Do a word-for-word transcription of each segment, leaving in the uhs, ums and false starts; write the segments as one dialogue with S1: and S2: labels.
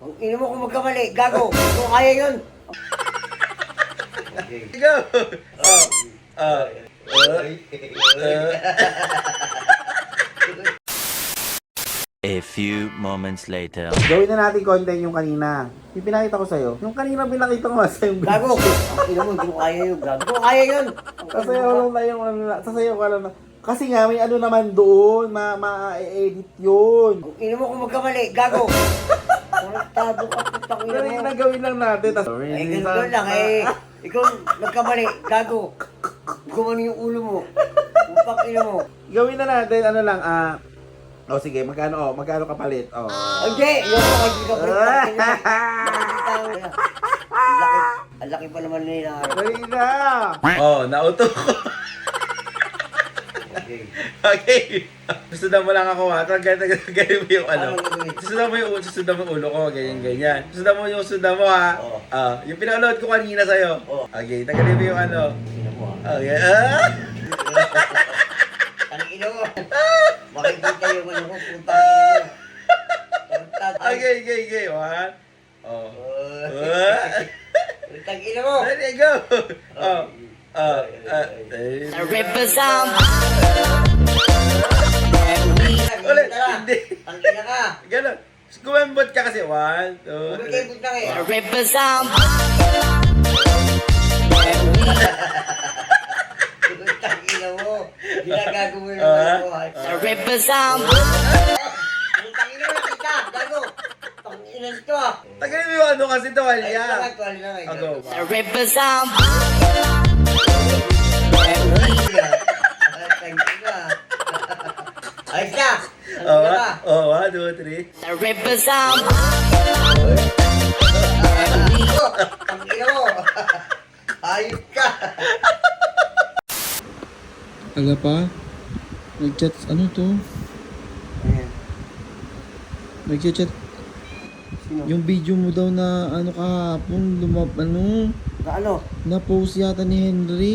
S1: Ang ina mo kung magkamali, gago. Kung kaya yun.
S2: Go! Oh, uh, uh, uh.
S3: A few moments later.
S4: Gawin na natin content yung kanina. Yung pinakita ko sa'yo. Yung kanina pinakita ko nga sa'yo.
S1: Gago. Ang ina mo, hindi ko kaya yun, gago. Kung kaya yun.
S4: Sasayaw lang na yung ano na. Sasayaw ka lang na. Kasi nga may ano naman doon. Ma ma-edit yun.
S1: Ang ina mo kung magkamali, gago. Konektado ka, putang ina
S4: Pero
S1: mo.
S4: yung nagawin lang natin. Tas,
S1: Ay, ganun lang eh. Ikaw, nagkamali, gago. Gumano yung ulo mo. Putang ina mo.
S4: Gawin na natin, ano lang, ah... oh, sige, magkano, oh, magkano kapalit, oh.
S1: Hindi, yung mga hindi ka pala. Ang laki, ang laki pa naman nila.
S4: Dali na!
S2: Oh, nauto ko.
S1: Okay.
S2: Okay. Susundan mo lang ako ha. Ganyan, ganyan mo yung ano.
S1: Ano gagawin?
S2: Susundan mo yung ulo, susundan mo yung ulo ko. Ganyan, ganyan. Susundan mo yung susundan mo ha.
S1: Oo.
S2: Ah, yung pinaload ko kanina sa'yo.
S1: Oo.
S2: Okay, tagalin mo yung ano.
S1: Ina mo ah.
S2: Okay. Ah!
S1: Ang ina mo. Makikita yung ano ko, putang ina mo. Konektado.
S2: Okay, okay, okay. One. Oh.
S1: Oh.
S2: Ah!
S1: Putang ina mo.
S2: Ready, go! Oh. Ah, ah, eh.
S5: Represent.
S2: Ulit, hindi.
S1: Ang ina ka.
S2: Ganon. Kumembot ka kasi. One, two,
S1: Huwag
S2: three.
S1: kayo putang eh.
S5: Represent.
S1: Putang ina mo. Ginagago mo yung
S2: Ah.
S1: ano ko. ay.
S5: Represent.
S1: Putang ina mo nakita. Gago. Pang ina nito ah.
S2: Tagalin mo yung ano kasi
S1: Ay,
S2: tuwalya.
S1: tuwali tuwali na nga.
S2: Ako.
S5: Represent.
S1: Ayos na!
S2: Oh,
S1: Ano ka?
S2: one, oh, one, two, three.
S5: Represent.
S1: Ang ina mo! Ayos ka!
S6: Aga pa? Nag-chat, ano to? Nag-chat,
S1: Sino?
S6: yung video mo daw na ano kahapon, lumap, ano,
S1: Na ano?
S6: na-post yata ni Henry.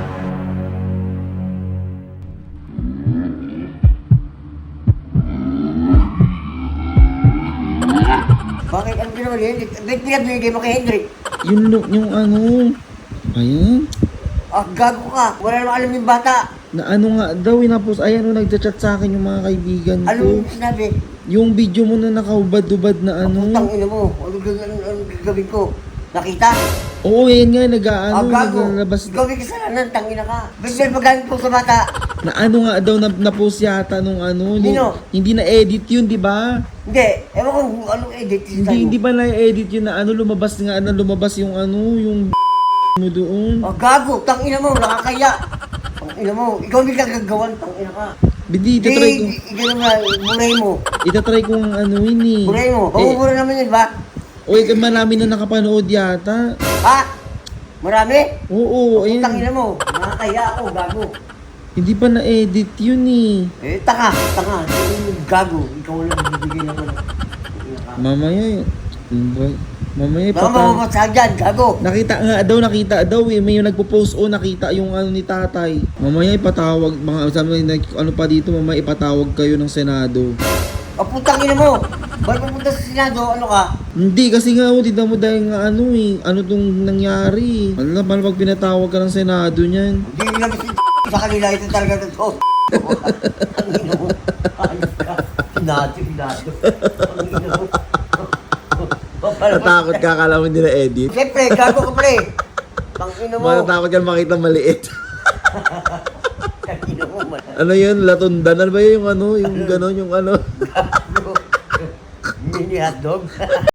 S1: Bakit ang ginawa niya? Ba't pinabigay mo kay Henry?
S6: Yung, lu- yung ano, ayan,
S1: Ah, gago ka! Wala namang alam yung bata!
S6: na ano nga daw, na-post, ayan o, nag-chat sa akin yung mga kaibigan
S1: Ano
S6: ko.
S1: yung sinabi?
S6: Yung video mo na nakaubad-ubad na ano.
S1: Putang ina mo! Ano gagawin ano, ano gagawin ko? Nakita?
S6: Oo, yan nga,
S1: Ah,
S6: nag-ano,
S1: gago!
S6: naglalabas.
S1: Gawin kasalanan, tangina ka! Ba't may paggamit ko sa bata?
S6: Na ano nga daw, na, na-post yata nung ano. nung-
S1: Sino?
S6: hindi na-edit yun, di ba?
S1: Hindi, ewan ko kung anong edit sa'yo.
S6: Hindi, hindi ba na-edit yun na ano, lumabas nga na lumabas yung ano, yung mo doon.
S1: Ah, gago! Tangina mo! Nakakaya! Tangina mo! Ikaw hindi ka gagawan, tangina ka!
S6: Hindi, itatry ko,
S1: Hindi, ikaw nga, buray mo!
S6: itatry ko ang ano yun eh.
S1: Buray mo!
S6: Eh,
S1: Pabubura naman yun ba?
S6: oy, marami na nakapanood yata.
S1: Ha? Marami?
S6: Oo,
S1: Tangina
S6: ayun.
S1: mo! Nakakaya ako, gago!
S6: Hindi pa na-edit yun eh.
S1: Eh, taka! Taka! Yung gago! Ikaw lang bibigay ng ano. Tangina ka.
S6: Mamaya, ano ba? Mamaya
S1: Baka
S6: pata.
S1: mamamasag dyan, gago!
S6: Nakita nga daw, nakita daw eh. May yung nagpo-post o nakita yung ano ni tatay. Mamaya ipatawag, mga sabi like, ano pa dito, mamaya ipatawag kayo ng Senado.
S1: Ah, putang ina mo! Ba't pupunta sa Senado? Ano ka?
S6: Hindi, kasi nga oh, tignan mo dahil nga ano eh, ano tong nangyari. Ano na, paano pag pinatawag ka ng Senado niyan?
S1: Hindi nila kasi sa kanila ito talaga totoo. Ang ina mo! Ayos ka! Senado, Senado! Ang ina mo!
S6: Natakot ka, akala mo hindi na-edit.
S1: Siyempre, gago ka pala eh! Ang ina mo!
S6: Matatakot ka makita maliit.
S1: Ang ina mo, man.
S6: Ano yun, latundan? Ano ba yun, yung ano, yung gano'n, yung ano?
S1: Gago! Mini hotdog?